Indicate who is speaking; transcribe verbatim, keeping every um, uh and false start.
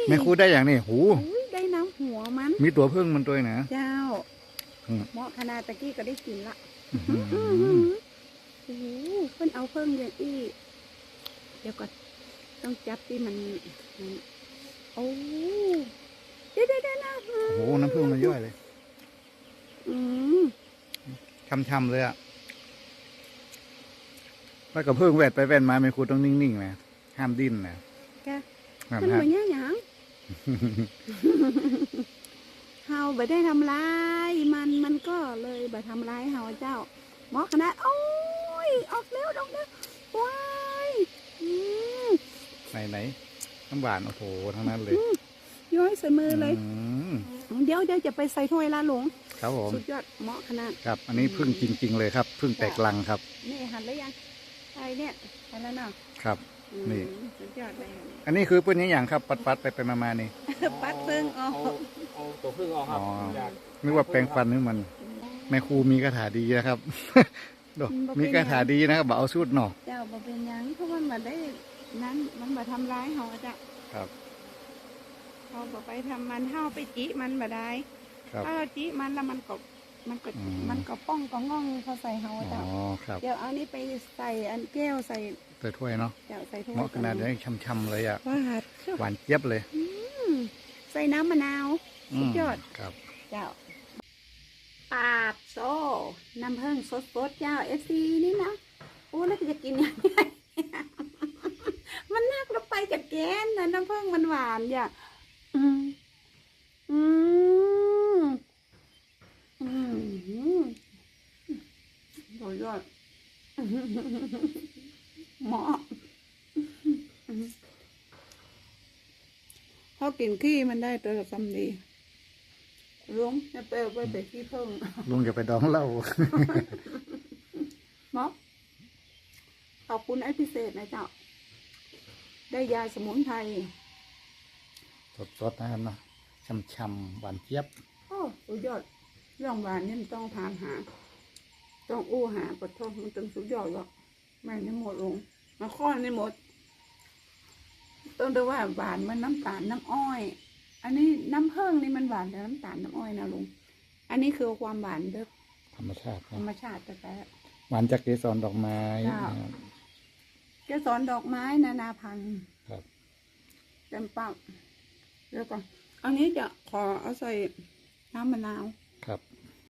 Speaker 1: แม่ครูได้อย่างนี้หู
Speaker 2: ได้น้ำหัวมัน
Speaker 1: มีตัวพึ่งมันตัวนะ
Speaker 2: เจ้าเหมาะขนาดตะกี้ก็ได้กินละโอ้โหเพิ่นเอาเพิ่งอย่างอี้เดี๋ยวก่อนต้องจับที่มันโอ้ได้ได้ได้นะ
Speaker 1: โอ้โหน้ำพึ่งมันย่อยเลย
Speaker 2: อืม
Speaker 1: ช่ำๆเลยอ่ะแล้วก็พึ่งแวดไปแวดมาแม่ครูต้องนิ่งๆนะห้ามดิ้นนะ
Speaker 2: แกมันเหมือนยังหยังเฮาบ่ได้ทำร้ายมันมันก็เลยบ่ทำร้ายเฮาเจ้าหมอขนาดโอ้ยออกเร็วออกเร็วว้าย
Speaker 1: ไหนไหนน้ำหวานโอ้โหทั้งนั้นเลย
Speaker 2: ย้อยใส่มือเลยเดี๋ยวเดี๋ยวจะไปใส่ถ้วยละหลง
Speaker 1: ครับผม
Speaker 2: สุดยอดเหมาะขนาด
Speaker 1: ครับอันนี้พึ่งจริงๆเลยครับพึ่งแตกลังครับ
Speaker 2: นี่หันแล้วยังไอเนี่ยหันแล้วเนาะ
Speaker 1: ครับนี่
Speaker 2: สุดยอดเลย
Speaker 1: อันนี้คือเป็นอย่างครับปัดปัดไปไปมามานี่
Speaker 2: ปัดพึ่งออก
Speaker 3: เอาตัวพึ่งออกครับ
Speaker 1: นึกว่าแปลงฟันนึกมันแม่ครูมีคาถาดีนะครับมีคาถาดีนะครับบอกเอาสูตรหน่อ
Speaker 2: เจ้าบ่เป็นยังเพราะมันมาได้นั้นมันมาทำร้ายเฮาจ้ะ
Speaker 1: ครับ
Speaker 2: เขาบอกไปทำมันเฮาไปจีมันบ่ได้ถ้าเราจีมันแล้วมันก็มันก็มันก็ป้องก็ง่องเขาใส่เฮาจ้ะเดี๋ยวเอานี้ไปใส่อันแก้วใส่
Speaker 1: ใส่ถ้วยเนาะ
Speaker 2: เดี๋ยวใส่ถ้วย
Speaker 1: เหมาะขนาดนี้ช่ำๆเลยอ่ะหวานเจี๊ยบเลย
Speaker 2: ใส่น้ำมะนาวสุดยอด
Speaker 1: ครับ
Speaker 2: เจ้าปาดโซ่น้ำผึ้งสดๆเจ้าเอฟซีนี่นะโอ้แล้วจะกินยังไงมันนักแล้วไปจากแกนนะน้ำผึ้งมันหวานอย่าอืมอืมอืมสุดยอดเหมาะเขากินขี้มันได้ตัวซ้ำดีลุงจะไปเอาไปไปขี้เพิ่ง
Speaker 1: ลุงจะไปดองเหล้า
Speaker 2: หมอขอบคุณไอ้พิเศษนะเจ้าได้ยาสมุนไพร
Speaker 1: สดๆนะครับเนาะช่ำๆหวานเจี๊ยบ
Speaker 2: โอ้สุดยอดเรื่องหวานนี่มันต้องทานหาต้องอู้หาปดท้องมันต้องสุดยอดหรอกไม่ได้หมดลงมาข้อนี่หมดต้องดูว่าหวานมันน้ำตาลน้ำอ้อยอันนี้น้ำผึ้งนี่มันหวานแต่น้ำตาลน้ำอ้อยนะลุงอันนี้คือความหวานเด้อ
Speaker 1: ธรรมชาติ
Speaker 2: ธรรมชาติแต่
Speaker 1: หวานจากเกสรดอกไม้
Speaker 2: เกสรดอกไม้นานาพันธุ์
Speaker 1: ครับ
Speaker 2: เต็มปักแล้วก็อันนี้จะขอเอาใส่น้ำมะนาว